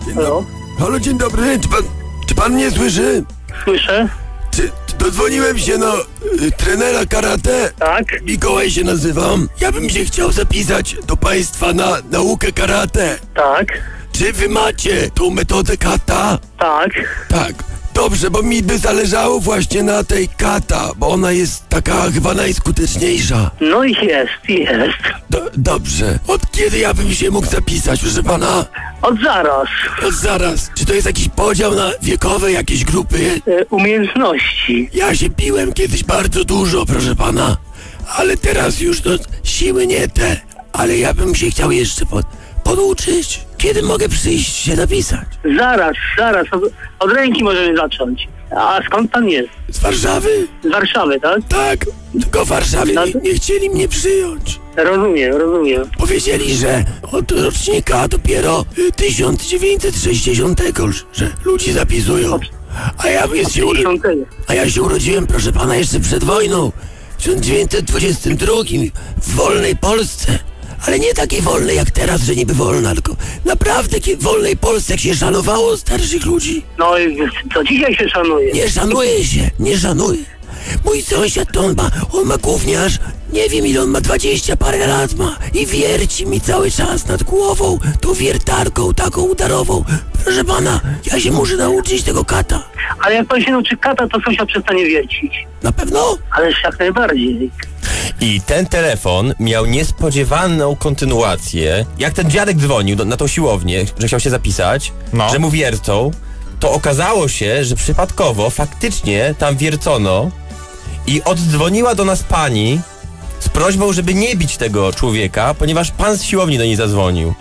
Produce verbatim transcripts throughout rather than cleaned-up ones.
Halo? Halo, dzień dobry. Czy pan, czy pan mnie słyszy? Słyszę? Czy, czy dodzwoniłem się na y, trenera karate? Tak? Mikołaj się nazywam. Ja bym się chciał zapisać do państwa na naukę karate. Tak? Czy wy macie tą metodę kata? Tak? Tak. Dobrze, bo mi by zależało właśnie na tej kata, bo ona jest taka chyba najskuteczniejsza. No i jest, jest. Do, dobrze. Od kiedy ja bym się mógł zapisać, proszę pana? Od zaraz. No zaraz. Czy to jest jakiś podział na wiekowe jakieś grupy? E, umiejętności. Ja się piłem kiedyś bardzo dużo, proszę pana. Ale teraz już to siły nie te. Ale ja bym się chciał jeszcze pod, poduczyć. Kiedy mogę przyjść się napisać? Zaraz, zaraz. Od, od ręki możemy zacząć. A skąd pan jest? Z Warszawy? Z Warszawy, tak? Tak, tylko w Warszawie nie, nie chcieli mnie przyjąć. Rozumiem, rozumiem. Powiedzieli, że od rocznika dopiero y, tysiąc dziewięćset sześćdziesiątego, że ludzi zapisują. A ja, jest się uro... A ja się urodziłem, proszę pana, jeszcze przed wojną. W tysiąc dziewięćset dwudziestym drugim w wolnej Polsce. Ale nie takiej wolnej jak teraz, że niby wolna, tylko naprawdę takiej wolnej Polsce, jak się szanowało starszych ludzi. No i co dzisiaj się szanuje? Nie szanuje się, nie szanuje. Mój sąsiad to on ma, on ma gówniarz, nie wiem ile on ma, dwadzieścia parę lat ma i wierci mi cały czas nad głową tą wiertarką taką udarową. Proszę pana, ja się muszę nauczyć tego kata. Ale jak pan się nauczy kata, to sąsiad przestanie wiercić. Na pewno? Ależ jak najbardziej. I ten telefon miał niespodziewaną kontynuację. Jak ten dziadek dzwonił do, na tą siłownię, że chciał się zapisać, no. że mu wiercą, to okazało się, że przypadkowo faktycznie tam wiercono i oddzwoniła do nas pani z prośbą, żeby nie bić tego człowieka, ponieważ pan z siłowni do niej zadzwonił.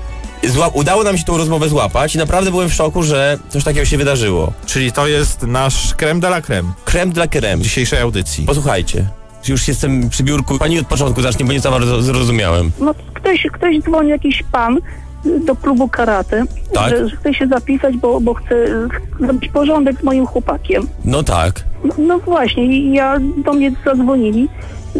Zła- udało nam się tą rozmowę złapać i naprawdę byłem w szoku, że coś takiego się wydarzyło. Czyli to jest nasz creme de la creme Creme de la creme dzisiejszej audycji. Posłuchajcie, już jestem przy biurku. Pani od początku zacznie, bo nie za bardzo zrozumiałem. No ktoś, ktoś dzwoni, jakiś pan do klubu karate, Tak? że, że chce się zapisać, bo, bo chce zrobić porządek z moim chłopakiem. No tak. No, no właśnie, i ja do mnie zadzwonili,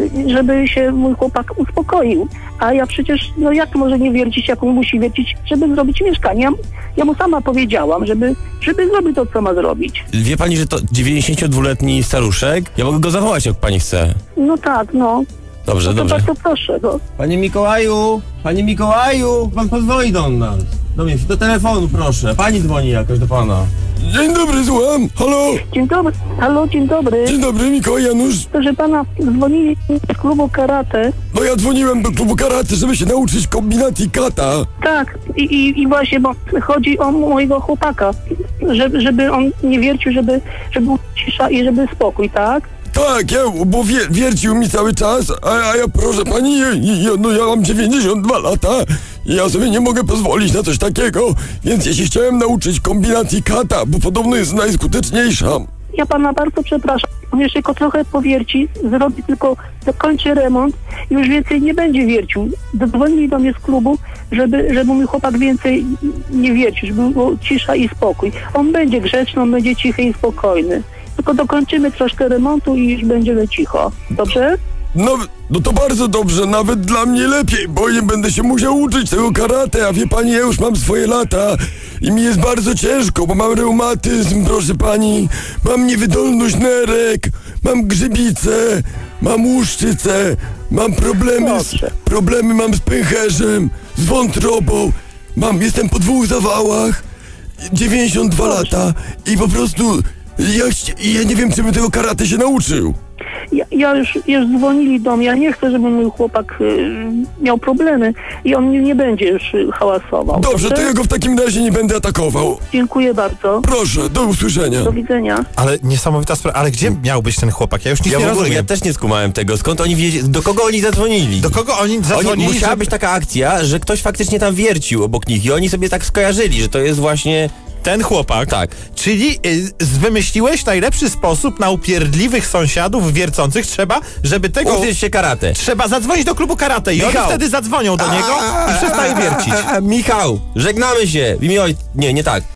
żeby się mój chłopak uspokoił. A ja przecież, no jak może nie wiercić, jak on musi wiercić, żeby zrobić mieszkanie. Ja, ja mu sama powiedziałam, żeby, żeby zrobić to, co ma zrobić. Wie pani, że to dziewięćdziesięciodwuletni staruszek? Ja mogę go zawołać, jak pani chce. No tak, no. Dobrze, No to dobrze. bardzo proszę, no. Panie Mikołaju, panie Mikołaju, pan pozwoli do nas. Do mnie, do telefonu proszę. Pani dzwoni jakoś do pana. Dzień dobry, słucham. Halo? Dzień dobry, halo, dzień dobry. Dzień dobry, Mikołaj Janusz. Proszę pana, dzwonili z klubu karate. No ja dzwoniłem do klubu karate, żeby się nauczyć kombinacji kata. Tak, i, i, i właśnie, bo chodzi o mojego chłopaka, żeby, żeby on nie wiercił, żeby, żeby był cisza i żeby spokój, tak? Tak, ja, bo wie, wiercił mi cały czas, a, a ja proszę pani, ja, ja, no ja mam dziewięćdziesiąt dwa lata i ja sobie nie mogę pozwolić na coś takiego, więc ja się chciałem nauczyć kombinacji kata, bo podobno jest najskuteczniejsza. Ja pana bardzo przepraszam, on jeszcze tylko trochę powierci, zrobi tylko, dokończy remont i już więcej nie będzie wiercił. Dzwonili do mnie z klubu, żeby, żeby mój chłopak więcej nie wiercił, żeby było cisza i spokój. On będzie grzeczny, on będzie cichy i spokojny. Tylko dokończymy troszkę remontu i już będziemy cicho. Dobrze? No, no to bardzo dobrze, nawet dla mnie lepiej, bo nie będę się musiał uczyć tego karate, a wie pani, ja już mam swoje lata i mi jest bardzo ciężko, bo mam reumatyzm, proszę pani, mam niewydolność nerek, mam grzybicę, mam łuszczycę, mam problemy z, problemy mam z pęcherzem, z wątrobą, mam, jestem po dwóch zawałach, dziewięćdziesiąt dwa lata i po prostu ja, ja nie wiem, czy bym tego karate się nauczył. Ja, ja już, już dzwonili do mnie, ja nie chcę, żeby mój chłopak y, miał problemy i on nie, nie będzie już y, hałasował. Dobrze, to ja go w takim razie nie będę atakował. Dziękuję bardzo. Proszę, do usłyszenia. Do widzenia. Ale niesamowita sprawa, ale gdzie miał być ten chłopak? Ja już nic Ja nie w ogóle, rozumiem. ja też nie skumałem tego. Skąd oni wiedzieli, do kogo oni zadzwonili? Do kogo oni zadzwonili? Oni, musiała żeby- być taka akcja, że ktoś faktycznie tam wiercił obok nich i oni sobie tak skojarzyli, że to jest właśnie... Ten chłopak? Tak. Czyli y, wymyśliłeś najlepszy sposób na upierdliwych sąsiadów wiercących. Trzeba, żeby tego... Uczyć się karate. Trzeba zadzwonić do klubu karate i Michał. oni wtedy zadzwonią do niego i przestaje wiercić. Michał, żegnamy się w imię oj... Nie, nie tak.